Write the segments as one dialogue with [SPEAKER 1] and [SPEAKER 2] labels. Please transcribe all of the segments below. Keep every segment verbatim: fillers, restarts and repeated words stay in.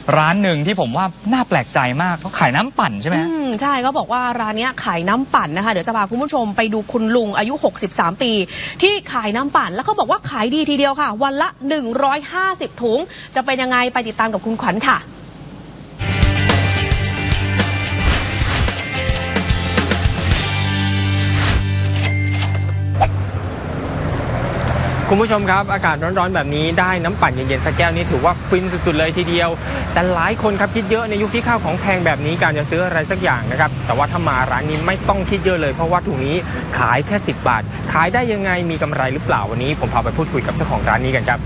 [SPEAKER 1] ร้านหนึ่งที่ผมว่าน่าแปลกใจมากเขาขายน้ำปั่นใช่ไหม
[SPEAKER 2] อืมใช่เขาบอกว่าร้านนี้ขายน้ำปั่นนะคะเดี๋ยวจะพาคุณผู้ชมไปดูคุณลุงอายุหกสิบสามปีที่ขายน้ำปั่นแล้วเขาบอกว่าขายดีทีเดียวค่ะวันละหนึ่งร้อยห้าสิบถุงจะเป็นยังไงไปติดตามกับคุณขวัญค่ะ
[SPEAKER 3] คุณผู้ชมครับอากาศร้อนๆแบบนี้ได้น้ำปั่นเย็นๆสักแก้วนี่ถือว่าฟินสุดๆเลยทีเดียวแต่หลายคนครับคิดเยอะในยุคที่ข้าวของแพงแบบนี้การจะซื้ออะไรสักอย่างนะครับแต่ว่าถ้ามาร้านนี้ไม่ต้องคิดเยอะเลยเพราะว่าถุงนี้ขายแค่สิบบาทขายได้ยังไงมีกำไรหรือเปล่าวันนี้ผมพาไปพูดคุยกับเจ้าของร้านนี้กันครับ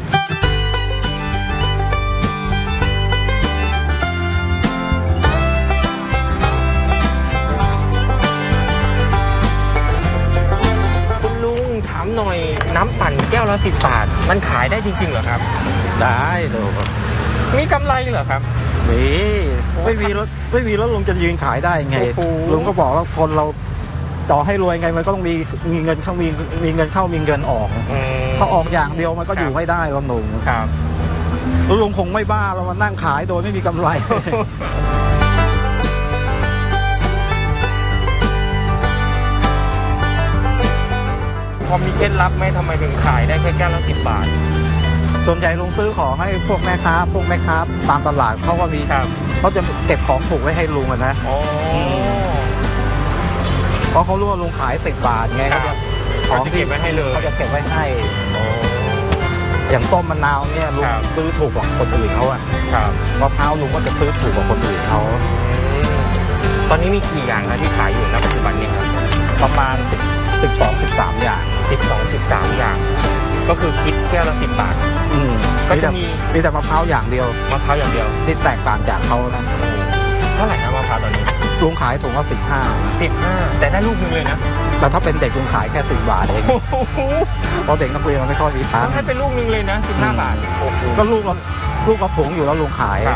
[SPEAKER 3] ถามหน่อยน้ำปั่นแก้วละสิบบาทมันขายได้จริงๆเหรอครับ
[SPEAKER 4] ได้ดู
[SPEAKER 3] มีกำไรเหรอครับ
[SPEAKER 4] มีไม่มีรถไม่มีรถลุงจะยืนขายได้ไงลุงก็บอกว่าคนเราต่อให้รวยไงมันก็ต้องมีมีเงินเข้ามีมีเงินเข้ามีเงินออกถ้าออกอย่างเดียวมันก็อยู่ไม่ได้เราหนุ่ม
[SPEAKER 3] ครับ
[SPEAKER 4] ลุงคงไม่บ้าเรามานั่งขายโดยไม่มีกำไร
[SPEAKER 3] พอมีเคล็ดลับไหมทำไมถึงขายได้แค่แก้วละสิบบาท
[SPEAKER 4] ส่วนใหญ่ลุงซื้อของให้พวกแม่ค้าพวกแม่ค้าตามตลาดเขาก็มีเขาจะเก็บของถูกไว้ให้ลุงนะเพราะเขารู้ว่าลุงขายสิบบาทไงเขาจะ
[SPEAKER 3] เขาจะเก็บไว้ให้เลย
[SPEAKER 4] เขาจะเก็บไว้ให้อย่างต้มมะนาวเนี่ยลุงซื้อถูกกว่าคนอื่นเขาอะมะพร้าวลุงก็จะซื้อถูกกว่าคนอื่นเขา
[SPEAKER 3] ตอนนี้มีกี่อย่างนะที่ขายอยู่ณปัจจุบันนี้ครับ
[SPEAKER 4] ประมาณสิบสองสิบสามอย่าง
[SPEAKER 3] สิบสองสิบสามอย่างก็คือคิดแก้วละสิบบาท
[SPEAKER 4] อืมก็จะมีมีแต่มะพร้าวอย่างเดียว
[SPEAKER 3] มะพร้าวอย่างเดียว
[SPEAKER 4] ที่แตกต่างจากเขานะ
[SPEAKER 3] เท่าไหร่นะมะพร้าวตอนนี้
[SPEAKER 4] ลุงขายถุงละสิบห้า
[SPEAKER 3] สิบห้าแต่ได้ลูกนึงเลยนะ
[SPEAKER 4] แต่ถ้าเป็นเด็กลุงขายแค่สิบบาทเองเพราะเด็กนักเรียนมันไม่ค่อยมีตังค์
[SPEAKER 3] ให้เป็นลูกนึงเลยนะสิบห้าบาท
[SPEAKER 4] ก็ลูกละลูกละถุงอยู่แล้วลุงขาย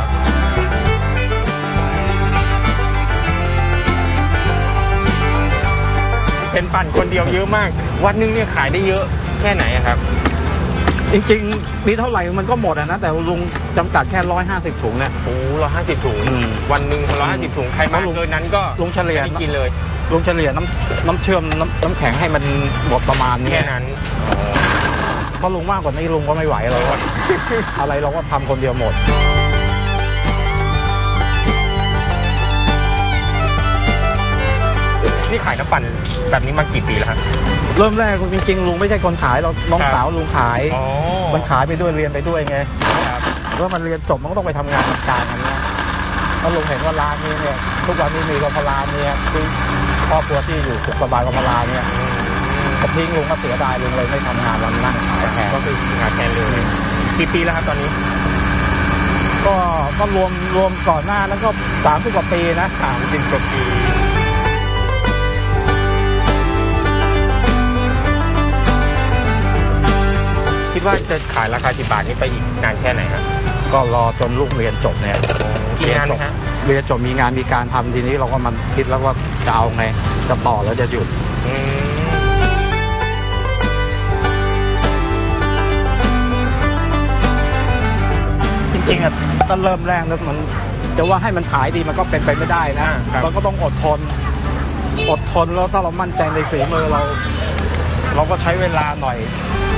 [SPEAKER 3] เป็นปั่นคนเดียวเยอะมากวันนึงเนี่ยขายได้เยอะแค่ไหนครับ
[SPEAKER 4] จริงๆมีเท่าไหร่มันก็หมดนะแต่ลุงจำกัดแค่ร้อยห้าสิบถุงเนี่ย
[SPEAKER 3] โอ้ร้อยห้าสิบถุงวันหนึ่งร้อยห้าสิบถุงใครมาเกินนั้นก็
[SPEAKER 4] ลุงเฉลี่ย
[SPEAKER 3] กินเลย
[SPEAKER 4] ลุงเฉลี่ยน้ำน้ำเชื่อมน้ำน้ำแข็งให้มันหมดประมาณนี้
[SPEAKER 3] แค่นั้น
[SPEAKER 4] เพราะลุงมากกว่านี้ลุงก็ไม่ไหวแล้วอะไรเราก็ทำคนเดียวหมด
[SPEAKER 3] นี่ขายน้ำปั่นแบบนี้มากี่ปีแล้วครับ
[SPEAKER 4] เริ่มแรกจริงๆลุงไม่ใช่คนขายเราน้องสาวลุงขายมันขายไปด้วยเรียนไปด้วยไงแล้วมันเรียนจบมันก็ต้องไปทำงานทำการกันนะแล้วลุงเห็นว่าร้านนี้เนี่ยทุกวันนี้มีกบพลาเนี่ยคือครอบครัวที่อยู่สุขสบายกบพลาเนี่ยก็ทิ้งลุงก็เสียดายลุงเลยไม่ทำงานวันนั่งขายแทน
[SPEAKER 3] ก็คืองานแทนเลยกี่ปีแล้วครับตอนนี้
[SPEAKER 4] ก็ก็รวมรวมก่อนหน้าแล้วก็สามสิบกว่าปีนะ
[SPEAKER 3] สามสิบกว่าปีคิดว่าจะขายราคาสิบบาทนี้ไปอีกนานแค่ไหนครับ
[SPEAKER 4] ก็รอจนลูกเรียนจบเนี่ย
[SPEAKER 3] เรียนจบ
[SPEAKER 4] เรียนจบมีงานมีการทำทีนี้เราก็มันคิดแล้วว่าจะเอาไงจะต่อแล้วจะหยุดจริงๆอ่ะก็เริ่มแรกแล้วมันจะว่าให้มันขายดีมันก็เป็นไปไม่ได้นะเราก็ต้องอดทนอดทนแล้วถ้าเรามั่นใจในฝีมือเราเราก็ใช้เวลาหน่อย